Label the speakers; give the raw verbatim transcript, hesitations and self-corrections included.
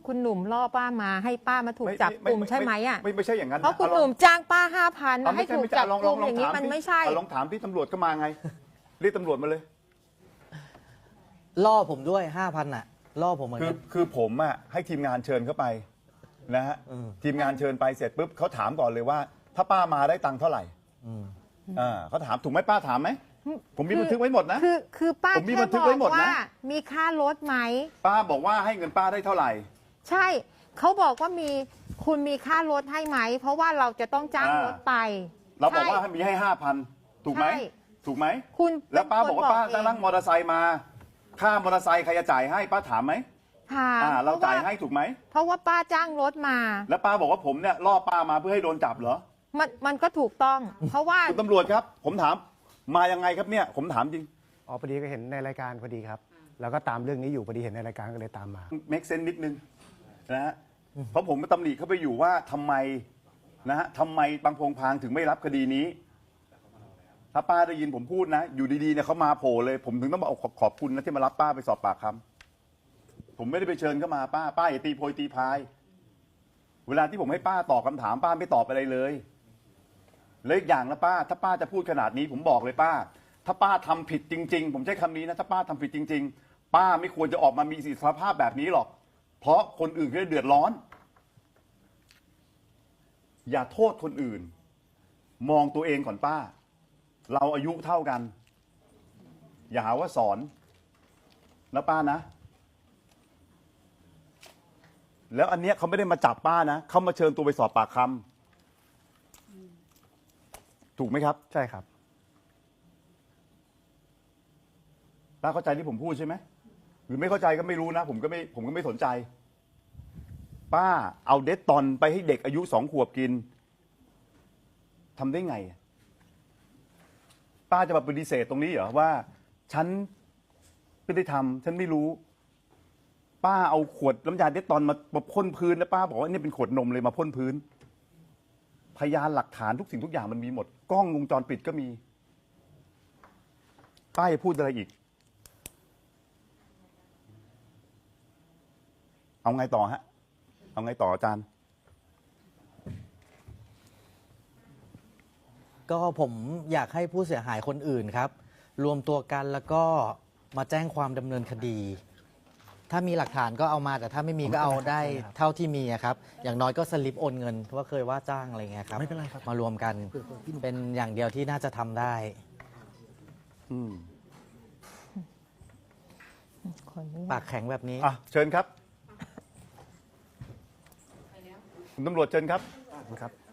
Speaker 1: คุณหนุ่มล่อป้ามาให้ป้ามาถูกจับกลุ่มใช่ไหมอ่ะ
Speaker 2: ไม่ไม่ใช่อย่างนั้น
Speaker 1: เพราะคุณหนุ่มจ้างป้าห้าพันให้ถูกจับกลุ่มอย่างนี้มันไม่ใช่
Speaker 2: ลองถามที่ตำรวจก็มาไงเรียกตำรวจมาเลย
Speaker 3: ล่อผมด้วยห้าพันอ่ะล่อผมเหมือน
Speaker 2: คือ
Speaker 3: กัน
Speaker 2: คือผมอ่ะให้ทีมงานเชิญเข้าไปนะฮะทีมงานเชิญไปเสร็จปุ๊บเขาถามก่อนเลยว่า ถ้าป้ามาได้ตังค์เท่าไหร่อ่าเขาถามถูกไหมป้าถามไหมผมมีบันทึกไว้หมดนะ
Speaker 1: คือคือป้า
Speaker 2: ผมมี
Speaker 1: แค่
Speaker 2: บันทึก
Speaker 1: บ
Speaker 2: ไว้
Speaker 1: อก
Speaker 2: หมดนะ
Speaker 1: ว่ามีค่ารถไหม
Speaker 2: ป้าบอกว่าให้เงินป้าได้เท่าไหร่
Speaker 1: ใช่เขาบอกว่ามีคุณมีค่ารถให้ไหมเพราะว่าเราจะต้องจ้างรถไป
Speaker 2: เราบอกว่า
Speaker 1: ใช่
Speaker 2: มีให้ห้าพันถูกไหม
Speaker 1: ใช่
Speaker 2: ถูกไหม
Speaker 1: คุณ
Speaker 2: แล้วป้าบอกว่าป้า
Speaker 1: เป็นคนบอกเอง
Speaker 2: จะนั่งมอเตอร์ไซค์มาค่ามอเตอร์ไซค์ใครจะจ่ายให้ป้าถามไหม
Speaker 1: ถาม
Speaker 2: อ่าเรา
Speaker 1: พะว่
Speaker 2: จ่ายให้ถูกไหม
Speaker 1: เพราะว่าป้าจ้างรถมา
Speaker 2: แล้วป้าบอกว่าผมเนี่ยล่อป้ามาเพื่อให้โดนจับเหรอ
Speaker 1: มันมันก็ถูกต้อง เพราะว่า
Speaker 2: คุณตำรวจครับ ผมถามมายังไงครับเนี่ยผมถามจริง
Speaker 4: อ๋อพอดีก็เห็นในรายการพอดีครับ แล้วก็ตามเรื่องนี้อยู่พอดีเห็นในรายการก็เลยตามมา
Speaker 2: make sense นิดนึงนะฮะเพราะผมก็ตำหนิเข้าไปอยู่ว่าทำไมนะฮะทำไมบางพงพางถึงไม่รับคดีนี้ ถ้าป้าได้ยินผมพูดนะ อยู่ดีๆเนี่ยเขามาโผล่เลย ผมถึงต้องมาขอบขอบคุณนะที่มารับป้าไปสอบปากคำผมไม่ได้ไปเชิญเข้ามาป้าป้าอย่าตีโพยตีพาย เวลาที่ผมให้ป้าตอบคำถามป้าไม่ตอบอะไรเลยแล้วอีกอย่างนะป้า ถ้าป้าจะพูดขนาดนี้ผมบอกเลยป้า ถ้าป้าทำผิดจริงๆผมใช้คำนี้นะถ้าป้าทำผิดจริงๆป้าไม่ควรจะออกมามีสิทธิภาพแบบนี้หรอกเพราะคนอื่นเขาจะเดือดร้อน อย่าโทษคนอื่น มองตัวเองก่อนป้า เราอายุเท่ากัน อย่าหาว่าสอนนะป้านะ แล้วอันเนี้ยเขาไม่ได้มาจับป้านะเขามาเชิญตัวไปสอบปากคำถูกไหมครับ
Speaker 4: ใช่ครับ
Speaker 2: ป้าเข้าใจที่ผมพูดใช่ไหมหรือไม่เข้าใจก็ไม่รู้นะผมก็ไม่ผมก็ไม่สนใจ ป้าเอาเดตตอนไปให้เด็กอายุสองขวบกินทำได้ไง ป้าจะมาปฏิเสธตรงนี้เหรอว่า ฉันไม่ได้ทำฉันไม่รู้ ป้าเอาขวดน้ำยาเดตตอนมามาพ่นพื้นแล้วป้าบอกว่านี่เป็นขวดนมเลยมาพ่นพื้น พยานหลักฐานทุกสิ่งทุกอย่างมันมีหมด กล้องวงจรปิดก็มี ป้าจะพูดอะไรอีก เอาไงต่อฮะ เอาไงต่ออาจารย์
Speaker 3: ก็ผมอยากให้ผู้เสียหายคนอื่นครับ รวมตัวกันแล้วก็มาแจ้งความดำเนินคดี ถ้ามีหลักฐานก็เอามาแต่ถ้าไม่มีก็เอาได้เท่าที่มีอะครับ อย่างน้อยก็สลิปโอนเงินว่าเคยว่าจ้างอะไรเงี้ยครับ
Speaker 4: ไม่เป็นไรครับ
Speaker 3: มารวมกันเป็นอย่างเดียวที่น่าจะทำได้
Speaker 2: อืม
Speaker 1: คนนี้
Speaker 3: ปากแข็งแบบนี้
Speaker 2: อ่ะเชิญครับคุณตำรวจเชิญครับ
Speaker 4: ครับ